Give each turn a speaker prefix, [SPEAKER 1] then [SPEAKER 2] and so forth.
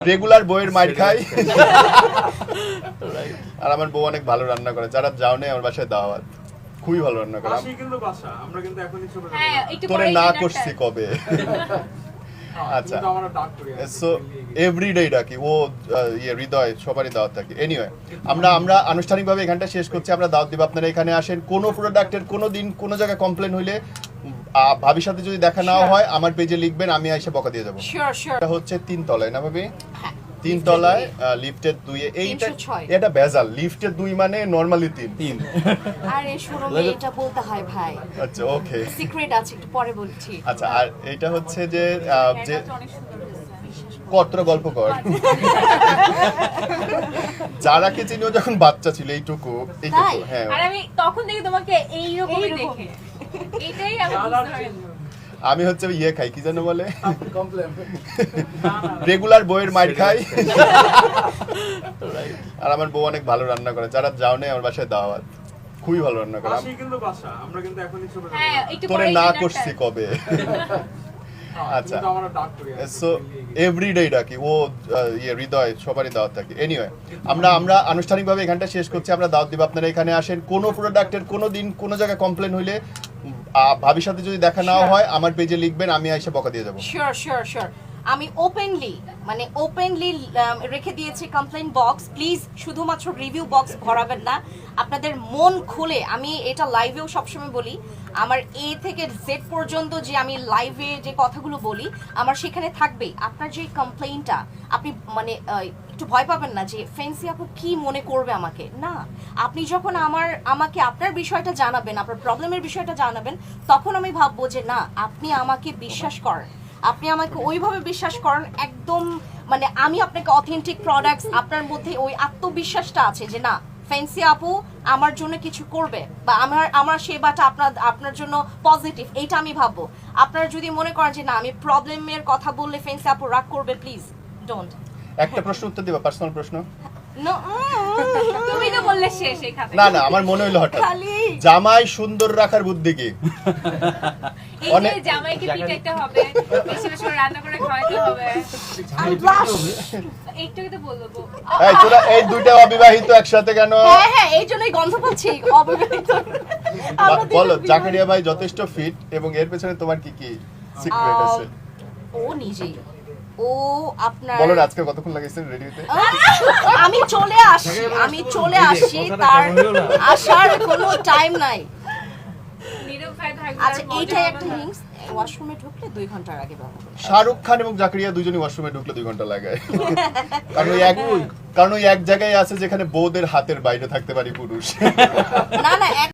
[SPEAKER 1] Regular বইয়ের মাইর খাই আর আমার বউ অনেক ভালো রান্না করে। যারা যাও নেই আমার বাসায় দাওয়াত, খুবই ভালো রান্না করে। তোরে না করছি কবে? আচ্ছা, সো এভরিডে ডাকি, ও হৃদয় সবারই দাওয়াত থাকে। এনিওয়ে, আমরা আনুষ্ঠানিকভাবে এখানটা শেষ করছি। আমরা দাওয়াত দিব, আপনারা এখানে আসেন। কোনো প্রোডাক্টের কোনো দিন কোনো জায়গায় কমপ্লেন হইলে ভাবির সাথে যদি দেখা নাও হয় আমার পেজে লিখবেন, আমি এসে বকা দিয়ে যাবো। এটা হচ্ছে 3 তলায় না ভাবি? 3 তলায় লিফটের 2 এ। এটা বেজাল, লিফটের 2 মানে নরমালি 3।
[SPEAKER 2] আরে শোরুমে এটা বলতে হয় ভাই।
[SPEAKER 1] আচ্ছা, ওকে,
[SPEAKER 2] সিক্রেট আছে, একটু পরে বলছি।
[SPEAKER 1] আচ্ছা, আর এটা হচ্ছে যে কতটা গল্প কর যারা কে চিনিও যখন বাচ্চা ছিল এইটুকু। হ্যাঁ,
[SPEAKER 3] আর আমি তখন থেকে তোমাকে এইরকমই দেখে, এটাই আমি বুঝতে পারিনি।
[SPEAKER 1] আমি হচ্ছে খাই, কি জানো বলে, রেগুলার বইয়ের মাইর খাই আর আমার বউ অনেক ভালো রান্না করে। যারা যাও নেই আমার বাসায় দাওয়াত, খুবই ভালো রান্না করে। তোরে না করছি কবে? আচ্ছা, সো এভরিডে ডাকি, ও হৃদয় সবারই দাওয়াত থাকে। এনিওয়ে, আমরা আনুষ্ঠানিকভাবে এখানটা শেষ করছি। আমরা দাওয়াত দিব, আপনারা এখানে আসেন। কোনো প্রোডাক্টের কোনো দিন কোনো জায়গায় কমপ্লেন হইলে ভাবির সাথে যদি দেখা নাও হয় আমার পেজে লিখবেন, আমি এসে বকা দিয়ে যাবো।
[SPEAKER 2] শিওর আমি ওপেনলি রেখে দিয়েছি কমপ্লেইন বক্স। প্লিজ শুধুমাত্র রিভিউ বক্স ভরাবেন না, আপনাদের মন খুলে। আমি এটা লাইভেও সবসময় বলি, আমার এ থেকে জেড পর্যন্ত যে আমি লাইভে যে কথাগুলো বলি আমার সেখানে থাকবেই। আপনার যে কমপ্লেইনটা, আপনি মানে একটু ভয় পাবেন না যে ফেন্সি আপু কি মনে করবে আমাকে। না, আপনি যখন আমাকে আপনার বিষয়টা জানাবেন, আপনার প্রবলেমের বিষয়টা জানাবেন, তখন আমি ভাববো যে না, আপনি আমাকে বিশ্বাস করেন, আপনি আমাকে ওইভাবে বিশ্বাস করেন একদম, মানে আমি আপনাকে অথেন্টিক প্রোডাক্টস, আপনার মধ্যে ওই আত্মবিশ্বাসটা আছে যে না ফেন্সি আপু আমার জন্য কিছু করবে, বা আমার সেবাটা আপনার জন্য পজিটিভ, এইটা আমি ভাববো। আপনারা যদি মনে করেন যে না আমি প্রবলেমের কথা বললে ফেন্সি আপু রাগ করবে, প্লিজ ডোন্ট।
[SPEAKER 1] একটা প্রশ্ন উত্তর দিবা, পার্সোনাল প্রশ্ন।
[SPEAKER 3] তুমি তো বললে শেষ এই খাতে।
[SPEAKER 1] না, আমার মনে হইলো হঠাৎ, জামাই সুন্দর রাখার বুদ্ধি কি?
[SPEAKER 3] এই যে জামাইকে পিটাইতে হবে, বেশি বেশি রান্না করে খাওয়াইতে হবে, এইটাই তো বলবো।
[SPEAKER 1] এই তোরা এই দুইটা অবিবাহিত একসাথে কেন?
[SPEAKER 2] হ্যাঁ, এই জন্যই গন্ধ পাচ্ছি অবিবাহিত।
[SPEAKER 1] বলো, জাকারিয়া ভাই যথেষ্ট ফিট, এবং এর পেছনে তোমার কি কি সিক্রেট আছে?
[SPEAKER 2] ও নিজেই, ও আপনার
[SPEAKER 1] বলো না, আজকে কতক্ষণ লাগাইছেন রেডি হতে?
[SPEAKER 2] আমি চলে আসি, তার আসার কোনো টাইম নাই। আচ্ছা, এইটাই একটা হিংস, ওয়াশরুমে ঢুকলে 2 ঘন্টার আগে ব্যবহার করতে।
[SPEAKER 1] শাহরুখ খান এবং জাকারিয়া দুজনই ওয়াশরুমে ঢুকলে 2 ঘন্টা লাগায়, কারণ ওই এক জায়গায় আছে যেখানে বউদের হাতের বাইরে থাকতে পারি পুরুষ।
[SPEAKER 2] না